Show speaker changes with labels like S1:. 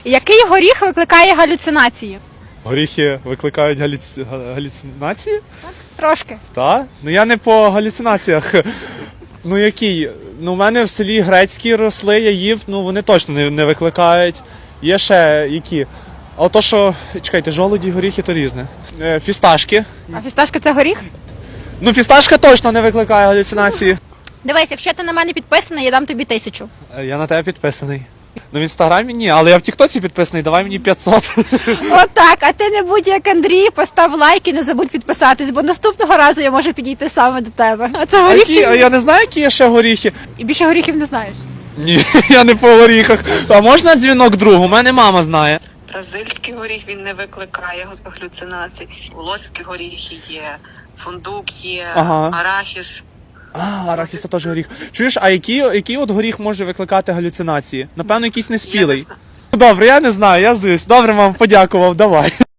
S1: Який горіх викликає галюцинації?
S2: Горіхи викликають галюцинації?
S1: Трошки.
S2: Так? Ну я не по галюцинаціях. Ну який? Ну в мене в селі грецькі росли, я їв, ну вони точно не викликають. Є ще які? А то що, чекайте, жолуді, горіхи то різне. Фісташки.
S1: А фісташка це горіх?
S2: Ну фісташка точно не викликає галюцинації.
S1: Дивись, якщо ти на мене підписаний, я дам тобі 1000.
S2: Я на тебе підписаний. Ну в інстаграмі ні, але я в тіктоці підписаний, давай мені 500.
S1: Отак, а ти не будь як Андрій, постав лайк і не забудь підписатись, бо наступного разу я можу підійти саме до тебе. А це
S2: А
S1: горіх
S2: які,
S1: чи ні?
S2: я не знаю, які є ще горіхи.
S1: І більше горіхів не знаєш.
S2: Ні, я не по горіхах. А можна дзвінок другу? У мене мама знає.
S3: Бразильський горіх він не викликає галюцинацій. Волоські горіхи є, фундук є,
S2: Ага.
S3: арахіс.
S2: Арахіс це теж горіх. Чуєш, а який от горіх може викликати галюцинації? Напевно, якийсь неспілий. Добре, я не знаю, я здаюсь. Добре, мам, подякував, давай.